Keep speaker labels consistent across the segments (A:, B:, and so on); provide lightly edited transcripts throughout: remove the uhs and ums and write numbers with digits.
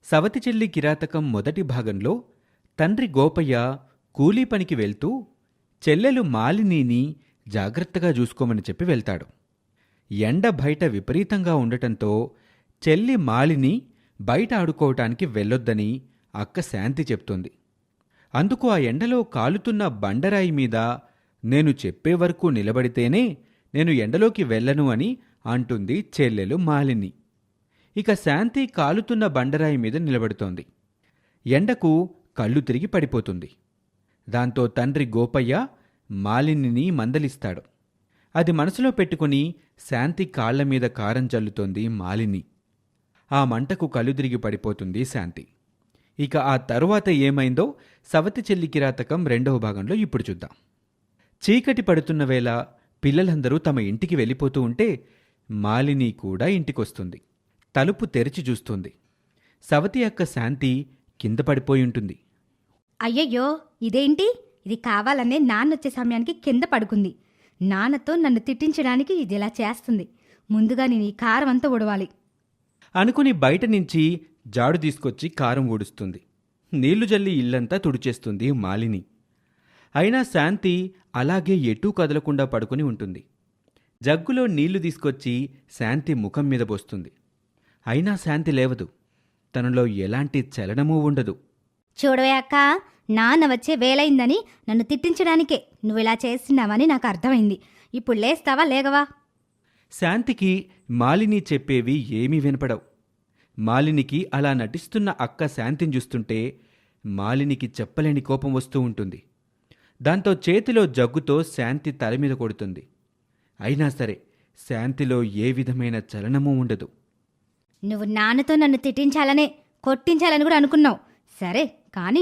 A: సవతి చెల్లి కిరాతకం మొదటి భాగంలో తండ్రి గోపయ్య కూలీ పనికి వెళ్తూ చెల్లెలు మాలినీని జాగ్రత్తగా చూసుకోమని చెప్పి వెళ్తాడు. ఎండ బయట విపరీతంగా ఉండటంతో చెల్లి మాలిని బయట ఆడుకోవటానికి వెళ్ళొద్దని అక్క శాంతి చెప్తుంది. అందుకు ఆ ఎండలో కాలుతున్న బండరాయి మీద నేను చెప్పే వరకు నిలబడితేనే నేను ఎండలోకి వెళ్ళను అని అంటుంది చెల్లెలు మాలిని. ఇక శాంతి కాలుతున్న బండరాయి మీద నిలబడుతోంది. ఎండకు కళ్ళు తిరిగి పడిపోతుంది. దాంతో తండ్రి గోపయ్య మాలినిని మందలిస్తాడు. అది మనసులో పెట్టుకుని శాంతి కాళ్ల మీద కారం చల్లుతోంది మాలిని. ఆ మంటకు కళ్ళు తిరిగి పడిపోతుంది శాంతి. ఇక ఆ తరువాత ఏమైందో సవతి చెల్లి కిరాతకం రెండవ భాగంలో ఇప్పుడు చూద్దాం. చీకటి పడుతున్న వేళ పిల్లలందరూ తమ ఇంటికి వెళ్ళిపోతూ ఉంటే మాలిని కూడా ఇంటికొస్తుంది. తలుపు తెరిచి చూస్తుంది. సవతి అక్క శాంతి కింద పడిపోయుంటుంది.
B: అయ్యయ్యో, ఇదేంటి? ఇది కావాలనే నాన్నొచ్చే సమయానికి కింద పడుకుంది. నాన్నతో నన్ను తిట్టించడానికి ఇది ఇలా చేస్తుంది. ముందుగా నేను ఈ కారం అంతా ఉడవాలి
A: అనుకుని బయట నుంచి జాడు తీసుకొచ్చి కారం ఊడుస్తుంది. నీళ్లు జల్లి ఇల్లంతా తుడిచేస్తుంది మాలిని. అయినా శాంతి అలాగే ఎటూ కదలకుండా పడుకుని ఉంటుంది. జగ్గులో నీళ్లు తీసుకొచ్చి శాంతి ముఖం మీద పోస్తుంది. అయినా శాంతి లేవదు. తనలో ఎలాంటి చలనమూ ఉండదు.
B: చూడవే అక్క, నాన్న వచ్చే వేలైందని నన్ను తిట్టించడానికే నువ్విలా చేస్తున్నావని నాకు అర్థమైంది. ఇప్పుడు లేస్తావా లేగవా?
A: శాంతికి మాలిని చెప్పేవి ఏమీ వినపడవు. మాలినికి అలా నటిస్తున్న అక్క శాంతిని చూస్తుంటే మాలినికి చెప్పలేని కోపం వస్తూ ఉంటుంది. దాంతో చేతిలో జగ్గుతో శాంతి తల మీద కొడుతుంది. అయినా సరే శాంతిలో ఏ విధమైన చలనమూ ఉండదు.
B: నువ్వు నాన్నతో నన్ను తిట్టించాలనే, కొట్టించాలని కూడా అనుకున్నావు. సరే కానీ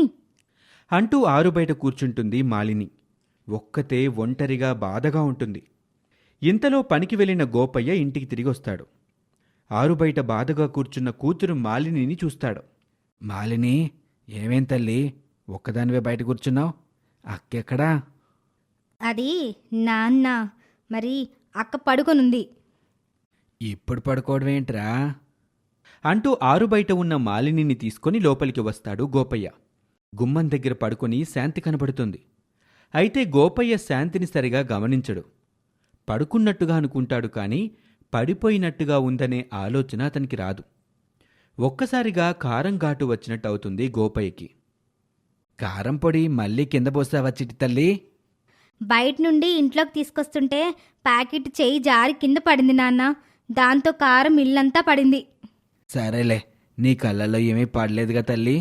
A: అంటూ ఆరుబయట కూర్చుంటుంది మాలిని. ఒక్కతే ఒంటరిగా బాధగా ఉంటుంది. ఇంతలో పనికి వెళ్ళిన గోపయ్య ఇంటికి తిరిగొస్తాడు. ఆరుబయట బాధగా కూర్చున్న కూతురు మాలినిని చూస్తాడు. మాలిని, ఏమేం తల్లి, ఒక్కదానివే బయట కూర్చున్నావు? అక్కెక్కడా?
B: అది నాన్న, మరి అక్క పడుకొనుంది.
A: ఇప్పుడు పడుకోవడమేంట్రా అంటూ ఆరుబయట ఉన్న మాలినిని తీసుకొని లోపలికి వస్తాడు గోపయ్య. గుమ్మం దగ్గర పడుకొని శాంతి కనబడుతుంది. అయితే గోపయ్య శాంతిని సరిగా గమనించడు. పడుకున్నట్టుగా అనుకుంటాడు కానీ పడిపోయినట్టుగా ఉందనే ఆలోచన అతనికి రాదు. ఒక్కసారిగా కారం ఘాటు వచ్చినట్టు అవుతుంది గోపయ్యకి. కారం పొడి మళ్ళీ కింద పోసావా చిట్టి తల్లి?
B: బయట నుండి ఇంట్లోకి తీసుకొస్తుంటే ప్యాకెట్ చేయి జారి కింద పడింది నాన్న. దాంతో కారం ఇల్లంతా పడింది.
A: సరేలే, నీ కళ్ళల్లో ఏమీ పడలేదుగా తల్లి?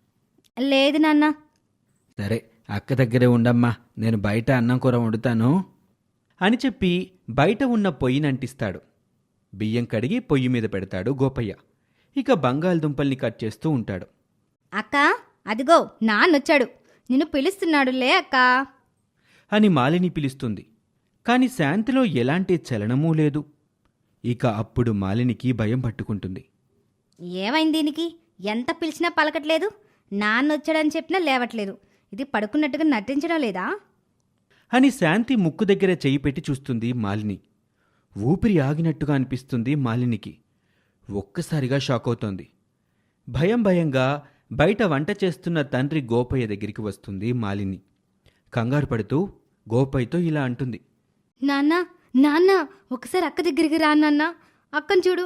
B: లేదు నాన్న.
A: సరే, అక్క దగ్గరే ఉండమ్మా, నేను బయట అన్నం కూర వండుతాను అని చెప్పి బయట ఉన్న పొయ్యినంటిస్తాడు. బియ్యం కడిగి పొయ్యి మీద పెడతాడు గోపయ్య. ఇక బంగాళదుంపల్ని కట్ చేస్తూ ఉంటాడు.
B: అక్క, అదిగో నాన్నొచ్చాడు, నిన్ను పిలుస్తున్నాడులే అక్క
A: అని మాలిని పిలుస్తుంది. కాని శాంతిలో ఎలాంటి చలనమూ లేదు. ఇక అప్పుడు మాలినికి భయం పట్టుకుంటుంది.
B: ఏమైంది దీనికి? ఎంత పిలిచినా పలకట్లేదు. నాన్నొచ్చాడని చెప్పినా లేవట్లేదు. ఇది పడుకున్నట్టుగా నటించడం లేదా
A: అని శాంతి ముక్కు దగ్గర చెయ్యి పెట్టి చూస్తుంది మాలిని. ఊపిరి ఆగినట్టుగా అనిపిస్తుంది మాలినికి. ఒక్కసారిగా షాక్ అవుతోంది. భయంగా బయట వంట చేస్తున్న తండ్రి గోపయ్య దగ్గరికి వస్తుంది మాలిని. కంగారు పడుతూ గోపయ్యతో ఇలా అంటుంది.
B: నాన్న, నాన్న, ఒకసారి అక్క దగ్గరికి రా నాన్న. అక్కను చూడు.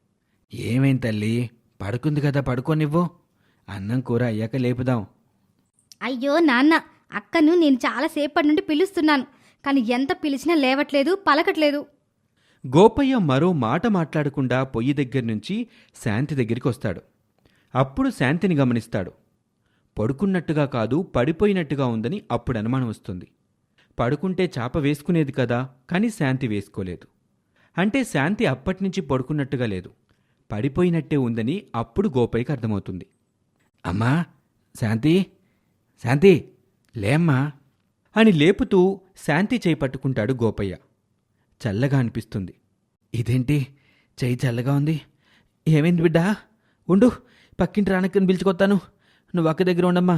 A: ఏమేం తల్లి, పడుకుంది కదా, పడుకోనివ్వు. అన్నం కూర అయ్యాక లేపుదాం.
B: అయ్యో నాన్న, అక్కను నేను చాలాసేపటి నుండి పిలుస్తున్నాను, కానీ ఎంత పిలిచినా లేవట్లేదు, పలకట్లేదు.
A: గోపయ్య మరో మాట మాట్లాడకుండా పొయ్యి దగ్గర నుంచి శాంతి దగ్గరికి వస్తాడు. అప్పుడు శాంతిని గమనిస్తాడు. పడుకున్నట్టుగా కాదు, పడిపోయినట్టుగా ఉందని అప్పుడు అనుమానం వస్తుంది. పడుకుంటే చాప వేసుకునేది కదా, కానీ శాంతి వేసుకోలేదు. అంటే శాంతి అప్పటినుంచి పడుకున్నట్టుగా లేదు, పడిపోయినట్టే ఉందని అప్పుడు గోపయ్యకి అర్థమవుతుంది. అమ్మా శాంతి, శాంతి లేమ్మా అని లేపుతూ శాంతి చేయి పట్టుకుంటాడు గోపయ్య. చల్లగా అనిపిస్తుంది. ఇదేంటి చెయ్యి చల్లగా ఉంది? ఏమైంది బిడ్డా? ఉండు, పక్కింటి రానక్కని పిలుచుకొస్తాను, నువ్వు అక్క దగ్గర ఉండమ్మా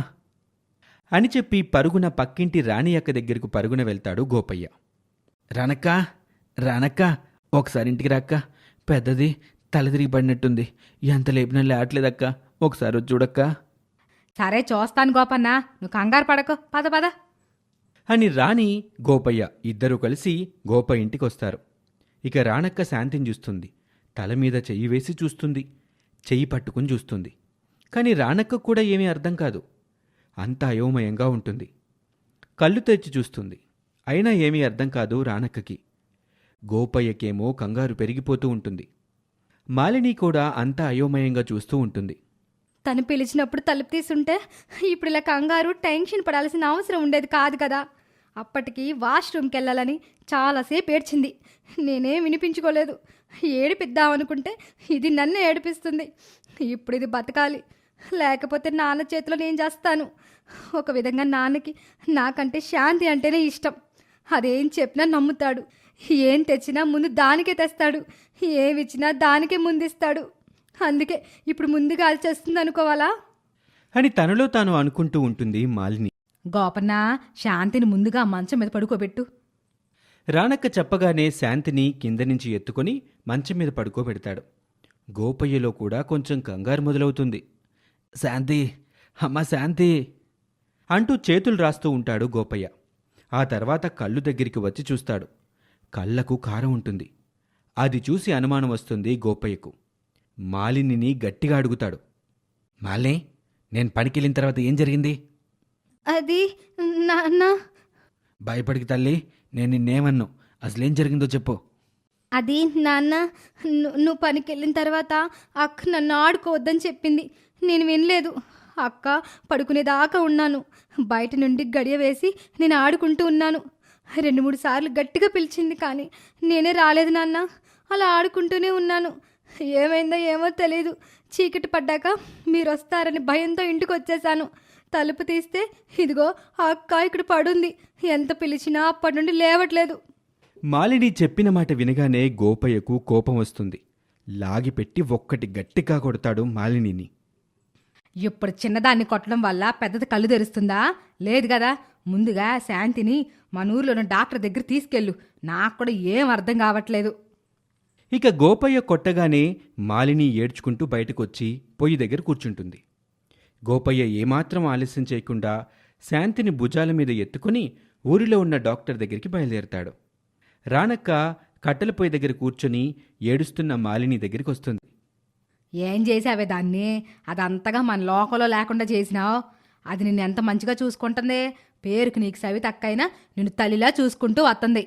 A: అని చెప్పి పరుగున పక్కింటి రాణి అక్క దగ్గరకు పరుగున వెళ్తాడు గోపయ్య. రానక్క, రానక్క, ఒకసారి ఇంటికి రాక్క, పెద్దది తల తిరిగి పడినట్టుంది, ఎంత లేపినా లేవట్లేదక్క, ఒకసారి వచ్చి చూడక్క
B: సరే చూస్తాను గోపన్న, నువ్వు కంగారు పడకు, పద పద.
A: అని రాణి గోపయ్య ఇద్దరూ కలిసి గోప ఇంటికొస్తారు. ఇక రానక్క శాంతిని చూస్తుంది. తల మీద చెయ్యి వేసి చూస్తుంది. చెయ్యి పట్టుకుని చూస్తుంది. కాని రానక్క కూడా ఏమీ అర్థం కాదు. అంతా అయోమయంగా ఉంటుంది. కళ్ళు తెరిచి చూస్తుంది. అయినా ఏమీ అర్థం కాదు రానక్కకి. గోపయ్యకేమో కంగారు పెరిగిపోతూ ఉంటుంది. మాలిని కూడా అంతా అయోమయంగా చూస్తూ ఉంటుంది.
B: తను పిలిచినప్పుడు తలుపు తీసుంటే ఇప్పుడు ఇలా కంగారు టెన్షన్ పడాల్సిన అవసరం ఉండేది కాదు కదా. అప్పటికి వాష్రూమ్కి వెళ్ళాలని చాలాసేపు ఏడ్చింది. నేనేం వినిపించుకోలేదు. ఏడిపిద్దామనుకుంటే ఇది నన్ను ఏడిపిస్తుంది. ఇప్పుడు ఇది బతకాలి, లేకపోతే నాన్న చేతిలో నేను చేస్తాను. ఒక విధంగా నాన్నకి నాకంటే శాంతి అంటేనే ఇష్టం. అదేం చెప్పినా నమ్ముతాడు. ఏం తెచ్చినా ముందు దానికే తెస్తాడు. ఏమిచ్చినా దానికే ముందిస్తాడు. అందుకే ఇప్పుడు ముందుగా అది చేస్తుంది అనుకోవాలా
A: అని తనలో తాను అనుకుంటూ ఉంటుంది మాలిని.
B: గోపన్న, శాంతిని ముందుగా మంచం మీద పడుకోబెట్టు.
A: రానక్క చెప్పగానే శాంతిని కింద నుంచి ఎత్తుకొని మంచం మీద పడుకోబెడతాడు. గోపయ్యలో కూడా కొంచెం కంగారు మొదలవుతుంది. శాంతి, అమ్మ శాంతి అంటూ చేతులు రాస్తూ ఉంటాడు గోపయ్య. ఆ తర్వాత కళ్ళు దగ్గరికి వచ్చి చూస్తాడు. కళ్ళకు కారం ఉంటుంది. అది చూసి అనుమానం వస్తుంది గోపయ్యకు. మాలినిని గట్టిగా అడుగుతాడు. మాలిని, నేను పనికెళ్ళిన తర్వాత ఏం జరిగింది?
B: అది నాన్న.
A: భయపడికి తల్లి, నేను నిన్నేమన్ను. అసలేం జరిగిందో చెప్పు.
B: అది నాన్న, నువ్వు పనికి వెళ్ళిన తర్వాత అక్క నన్ను ఆడుకోవద్దని చెప్పింది. నేను వినలేదు. అక్క పడుకునేదాకా ఉన్నాను. బయట నుండి గడియ వేసి నేను ఆడుకుంటూ ఉన్నాను. 2-3 సార్లు గట్టిగా పిలిచింది, కానీ నేనే రాలేదు నాన్న. అలా ఆడుకుంటూనే ఉన్నాను. ఏమైందో ఏమో తెలీదు. చీకటి పడ్డాక మీరు వస్తారని భయంతో ఇంటికి వచ్చేసాను. తలుపు తీస్తే ఇదిగో ఆ అక్క ఇక్కడ పడుంది. ఎంత పిలిచినా అప్పటి నుండి లేవట్లేదు.
A: మాలిని చెప్పిన మాట వినగానే గోపయ్యకు కోపం వస్తుంది. లాగిపెట్టి ఒక్కటి గట్టిగా కొడతాడు మాలినిని.
B: ఇప్పుడు చిన్నదాన్ని కొట్టడం వల్ల పెద్దది కళ్ళు తెరుస్తుందా? లేదు కదా. ముందుగా శాంతిని మన ఊర్లోని డాక్టర్ దగ్గర తీసుకెళ్ళు. నాకు కూడా ఏం అర్థం కావట్లేదు.
A: ఇక గోపయ్య కొట్టగానే మాలిని ఏడ్చుకుంటూ బయటకొచ్చి పొయ్యి దగ్గర కూర్చుంటుంది. గోపయ్య ఏమాత్రం ఆలస్యం చేయకుండా శాంతిని భుజాల మీద ఎత్తుకుని ఊరిలో ఉన్న డాక్టర్ దగ్గరికి బయలుదేరతాడు. రానక్క కట్టెల పొయ్యి దగ్గర కూర్చొని ఏడుస్తున్న మాలిని దగ్గరికి వస్తుంది.
B: ఏం చేసావే దాన్ని? అదంతగా మన లోకంలో లేకుండా చేసినావు. అది నిన్ను ఎంత మంచిగా చూసుకుంటుందే. పేరుకు నీకు సవి తక్కైనా నిన్ను తల్లిలా చూసుకుంటూ వస్తుంది.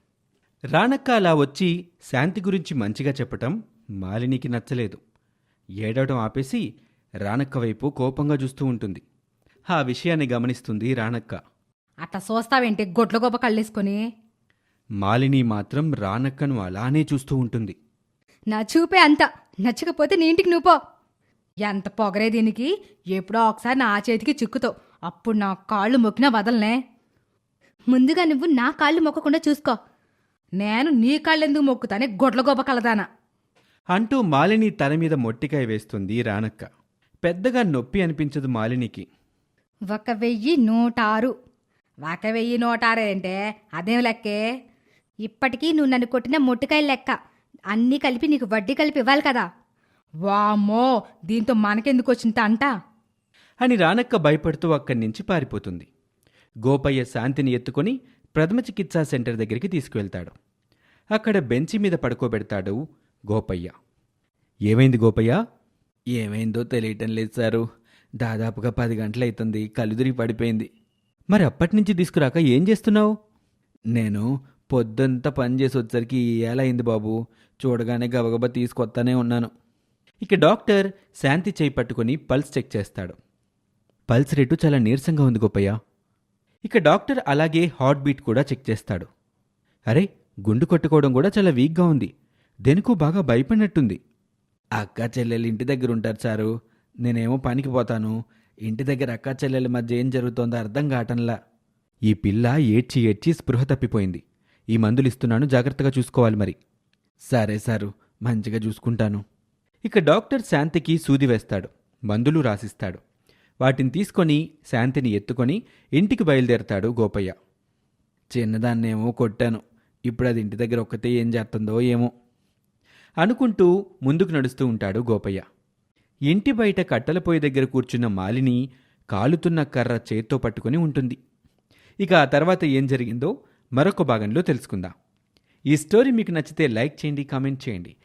A: రానక్క అలా వచ్చి శాంతి గురించి మంచిగా చెప్పటం మాలినికి నచ్చలేదు. ఏడవడం ఆపేసి రానక్క వైపు కోపంగా చూస్తూ ఉంటుంది. ఆ విషయాన్ని గమనిస్తుంది రానక్క.
B: అట్లా చూస్తావేంటి గొడ్ల గొప్ప కళ్ళేసుకొని?
A: మాలిని మాత్రం రానక్కను అలానే చూస్తూ ఉంటుంది.
B: నా చూపే అంత. నచ్చకపోతే నీ ఇంటికి నువ్వు పో. ఎంత పొగరే దీనికి. ఎప్పుడో ఒకసారి నా చేతికి చిక్కుతావు. అప్పుడు నా కాళ్ళు మొక్కినా వదలనే. ముందుగా నువ్వు నా కాళ్ళు మొక్కకుండా చూసుకో. నేను నీ కాళ్ళెందుకు మొక్కుతానే గొడ్ల గొప్ప కలదానా
A: అంటూ మాలిని తల మీద మొట్టికాయ వేస్తుంది రానక్క. పెద్దగా నొప్పి అనిపించదు మాలినికి.
B: 1106. 1106 అంటే అదేం లెక్కే? ఇప్పటికీ నువ్వు నన్ను కొట్టిన మొట్టికాయలు లెక్క. అన్నీ కలిపి నీకు వడ్డీ కలిపి ఇవ్వాలి కదా. వామ్మో, దీంతో మనకెందుకు వచ్చింత అంట
A: అని రానక్క భయపడుతూ అక్కడి నుంచి పారిపోతుంది. గోపయ్య శాంతిని ఎత్తుకొని ప్రథమ చికిత్సా సెంటర్ దగ్గరికి తీసుకువెళ్తాడు. అక్కడ బెంచి మీద పడుకోబెడతాడు గోపయ్య. ఏమైంది గోపయ్య? ఏమైందో తెలియటం లేదు సారు. దాదాపుగా 10 గంటలైతుంది. కలుదిరిగి పడిపోయింది. మరి అప్పటినుంచి తీసుకురాక ఏం చేస్తున్నావు? నేను పొద్దంతా పని చేసి వచ్చేసరికి ఎలా అయింది బాబు. చూడగానే గబగబా తీసుకొస్తానే ఉన్నాను. ఇక డాక్టర్ శాంతి చేయి పట్టుకొని పల్స్ చెక్ చేస్తాడు. పల్స్ రేటు చాలా నీరసంగా ఉంది గోపయ్య. ఇక డాక్టర్ అలాగే హార్ట్ బీట్ కూడా చెక్ చేస్తాడు. అరే, గుండు కొట్టుకోవడం కూడా చాలా వీక్గా ఉంది. దేనికో బాగా భయపడినట్టుంది. అక్క చెల్లెలు ఇంటి దగ్గర ఉంటారు సారు. నేనేమో పనికి పోతాను. ఇంటి దగ్గర అక్క చెల్లెల మధ్య ఏం జరుగుతోందో అర్థం కావటంలా. ఈ పిల్ల ఏడ్చి ఏడ్చి స్పృహ తప్పిపోయింది. ఈ మందులు ఇస్తున్నాను, జాగ్రత్తగా చూసుకోవాలి మరి. సరే సారు, మంచిగా చూసుకుంటాను. ఇక డాక్టర్ శాంతికి సూది వేస్తాడు. మందులు రాసిస్తాడు. వాటిని తీసుకొని శాంతిని ఎత్తుకొని ఇంటికి బయలుదేరతాడు గోపయ్య. చిన్నదాన్నేమో కొట్టాను. ఇప్పుడు అది ఇంటి దగ్గర ఒక్కతే ఏం చేస్తుందో ఏమో అనుకుంటూ ముందుకు నడుస్తూ ఉంటాడు గోపయ్య. ఇంటి బయట కట్టెల పొయ్యి దగ్గర కూర్చున్న మాలిని కాలుతున్న కర్ర చేత్తో పట్టుకుని ఉంటుంది. ఇక ఆ తర్వాత ఏం జరిగిందో మరొక భాగంలో తెలుసుకుందాం. ఈ స్టోరీ మీకు నచ్చితే లైక్ చేయండి, కామెంట్ చేయండి.